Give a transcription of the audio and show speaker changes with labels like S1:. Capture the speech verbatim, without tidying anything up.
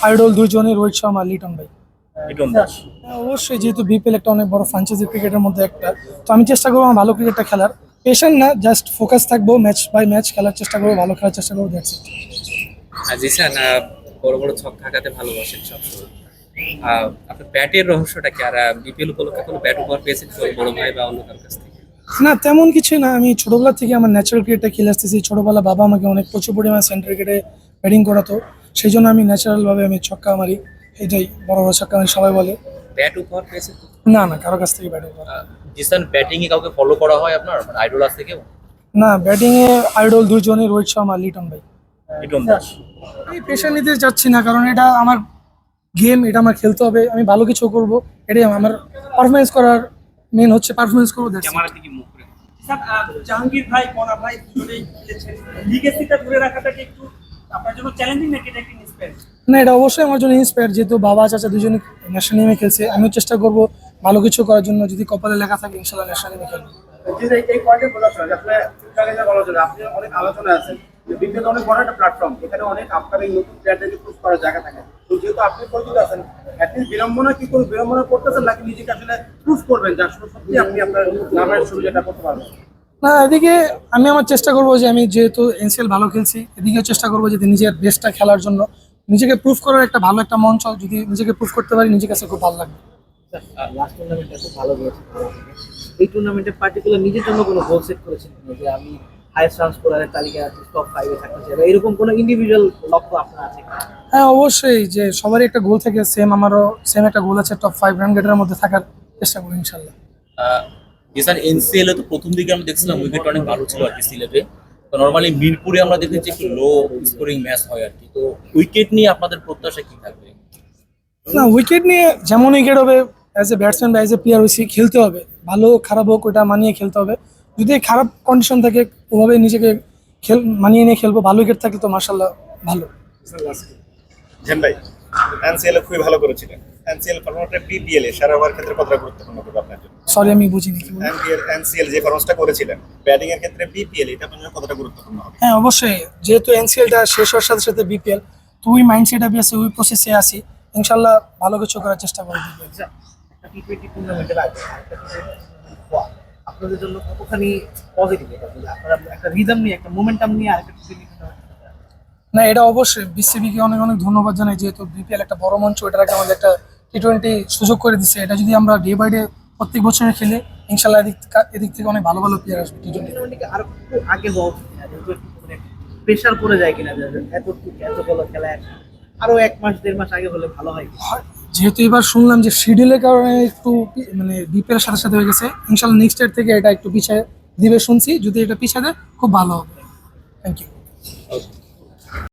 S1: Idol দুইজনই, রোহিত শর্মা, লিটন ভাই।
S2: লিটন দাস।
S1: হ্যাঁ, অবশ্যই, যেহেতু বিপিএল একটা অনেক বড় ফ্র্যাঞ্চাইজি ক্রিকেটের মধ্যে একটা, তো আমি চেষ্টা করবো আমার ভালো ক্রিকেটটা খেলার। পেশেন্ট না, জাস্ট ফোকাস থাকবো, ম্যাচ বাই ম্যাচ খেলার চেষ্টা করবো, ভালো খেলার চেষ্টা করবো, দ্যাটস ইট।
S2: আর জিসান, আহ, বড় বড় ছক্কা হাঁকাতে ভালোবাসেন সবসময়। আহ, আপনার ব্যাটের রহস্যটা কি? আর বিপিএল উপলক্ষে কোনো ব্যাট উপহার পেয়েছেন কোনো বড় ভাই বা অন্য কারোর কাছ থেকে?
S1: না, তেমন কিছুই না। আমি ছোটবেলা থেকে আমার ন্যাচারাল ক্রিকেটটা খেলে আসতেছি। ছোটবেলা বাবা আমাকে অনেক প্রচুর পরিমাণে সেন্টার ক্রিকেটে ব্যাটিং করাতো, সেই জন্য আমি ন্যাচারাল ভাবে আমি ছক্কা মারি। এটাই বড় বড় ছক্কা মারি সবাই বলে।
S2: ব্যাট উপহার পেয়েছেন তো?
S1: না না, কারো কাছ থেকে ব্যাটিং করা।
S2: আহ, জিসান, ব্যাটিং এ কাউকে ফলো করা হয় আপনার? মানে আইডল আছে কেউ?
S1: না, ব্যাটিং এ আইডল দুইজনই, রোহিত শর্মা, লিটন ভাই।
S2: লিটন দাস।
S1: আমি পেশা নিতে চাচ্ছি না, কারণ এটা আমার গেম, এটা আমার খেলতে হবে, আমি ভালো কিছু করব, এটাই আমার পারফরমেন্স করার মেন হচ্ছে, পারফরমেন্স করবো, that's it।
S2: ক্যামেরা থেকে মুখ করে।
S3: স্যার, আহ, জাহাঙ্গীর ভাই, কনা ভাই দুজনেই খেলেছেন। লিগেসিটা ধরে রাখাটা কি একটু আপনার জন্য চ্যালেঞ্জিং নাকি এটা একটা ইন্সপায়ার?
S1: না, এটা অবশ্যই আমার জন্য ইন্সপায়ার, যেহেতু বাবা চাচা দুজনে ন্যাশনাল টিমে খেলছে, আমিও চেষ্টা করব ভালো কিছু করার জন্য। যদি কপালে লেখা থাকে, ইনশাল্লাহ ন্যাশনাল টিমে খেলবো।
S4: জি, এই এই পয়েন্টে বোঝাচ্ছিল যে আসলে ফিফা কে বলা যায় আপনি অনেক আলোচনা আছেন যে বিপিএল অনেক বড় একটা প্ল্যাটফর্ম, এখানে অনেক আপকামিং নতুন প্লেয়ারদেরকে প্রুভ করার জায়গা থাকে। তো যেহেতু আপনি পরিচিত আছেন, অ্যাটলিস্ট বিড়ম্বনা কি করে বিড়ম্বনা করতেছেন নাকি নিজেকে আসলে প্রুভ করবেন যে আসলে সত্যি আপনি আপনার নামের শুরু যেটা করতে পারবেন?
S1: না, এদিকে আমি আমার চেষ্টা করবো যে আমি যেহেতু এনসিএল ভালো খেলছি, এদিকেও চেষ্টা করবো যে নিজের বেস্টটা খেলার জন্য, নিজেকে প্রুভ করার একটা ভালো একটা মঞ্চ। যদি নিজেকে প্রুভ করতে পারি, নিজের কাছে খুব ভালো লাগবে।
S5: লাস্ট টুর্নামেন্টটা খুব ভালো গিয়েছে। এই টুর্নামেন্টে পার্টিকুলার নিজের জন্য কোনো গোল সেট করেছেন কিনা, যে আমি হাইয়েস্ট রান স্কোরারের তালিকায় টপ ফাইভে থাকতে চাই, বা এরকম কোনো ইন্ডিভিজুয়াল লক্ষ্য আপনার আছে কিনা?
S1: হ্যাঁ, অবশ্যই, যে সবারই একটা গোল থাকে, সেম আমারও সেম একটা গোল আছে, টপ ফাইভ রান গেটের মধ্যে থাকার চেষ্টা করি ইনশাল্লাহ।
S2: আহ, জিসান, এনসিএল এ তো প্রথম দিকে আমরা দেখছিলাম উইকেট অনেক ভালো ছিল আর কি সিলেটে। তো নর্মালি মিরপুরে আমরা দেখেছি একটু লো স্কোরিং ম্যাচ হয় আর কি। তো উইকেট নিয়ে আপনাদের প্রত্যাশা কি থাকবে?
S1: না, উইকেট নিয়ে যেমন উইকেট হবে, অ্যাজ এ ব্যাটসম্যান বা অ্যাজ এ প্লেয়ার হয়েছি, খেলতে হবে, ভালো খারাপ হোক ওটা মানিয়ে খেলতে হবে। যদি খারাপ কন্ডিশন থাকে, ওভাবে নিজেকে খেল মানিয়ে নিয়ে খেলবো। ভালো উইকেট থাকলে তো মার্শাল্লাহ ভালো।
S6: জেন ভাই, এনসিএল খুবই ভালো করেছিলেন। এনসিএল ফরম্যাটে বিপিএল এ সারা ওভার ক্ষেত্রে কতটা গুরুত্বপূর্ণ হবে আপনার জন্য?
S1: সরি, আমি বুঝিনি কি বললেন।
S6: এনপিএল এনসিএল যে ফরম্যাটটা করেছিলেন ব্যাটিং এর ক্ষেত্রে বিপিএল এটা আপনার জন্য কতটা গুরুত্বপূর্ণ হবে?
S1: হ্যাঁ, অবশ্যই, যেহেতু এনসিএলটা শেষ হওয়ার সাথে সাথে বিপিএল, তো ওই মাইন্ডসেট আমি আছে, ওই প্রসেসে আসি। ইনশাল্লাহ ভালো কিছু করার চেষ্টা করবো।
S5: আচ্ছা, একটা টি টোয়েন্টি টুর্নামেন্টের আগে একটা টি টোয়েন্টি আপনাদের জন্য কতখানি পজিটিভ এটা, যে আপনারা একটা রিদম নিয়ে, একটা মোমেন্টাম নিয়ে আরেকটা টি টোয়েন্টি টুর্নামেন্ট?
S1: না, এটা অবশ্যই বিসিবিকে অনেক অনেক ধন্যবাদ জানাই, যেহেতু বিপিএল একটা বড় মঞ্চ, এটার আগে আমাদের একটা টি টোয়েন্টি সুযোগ করে দিচ্ছে। এটা যদি আমরা ডে বাই ডে প্রত্যেক বছরে খেলে, ইনশাল্লাহ এদিক থা- এদিক থেকে অনেক ভালো ভালো প্লেয়ার আসবে টি টোয়েন্টি।
S5: টুর্নামেন্টকে আরো একটু আগে হওয়া উচিত কিনা, যেহেতু একটু মানে প্রেশার পড়ে যায় কিনা, যে এত এত বড় খেলা আরো এক মাস দেড় মাস আগে হলে ভালো হয়।
S1: যেহেতু এবার শুনলাম যে শিডিউলের কারণে একটু পি- মানে বিপিএল সাথে সাথে হয়ে গেছে, ইনশাল্লাহ নেক্সট ইয়ার থেকে এটা একটু পিছিয়ে দিবে শুনছি। যদি এটা পিছিয়ে দেয়, খুব ভালো হবে। Thank you.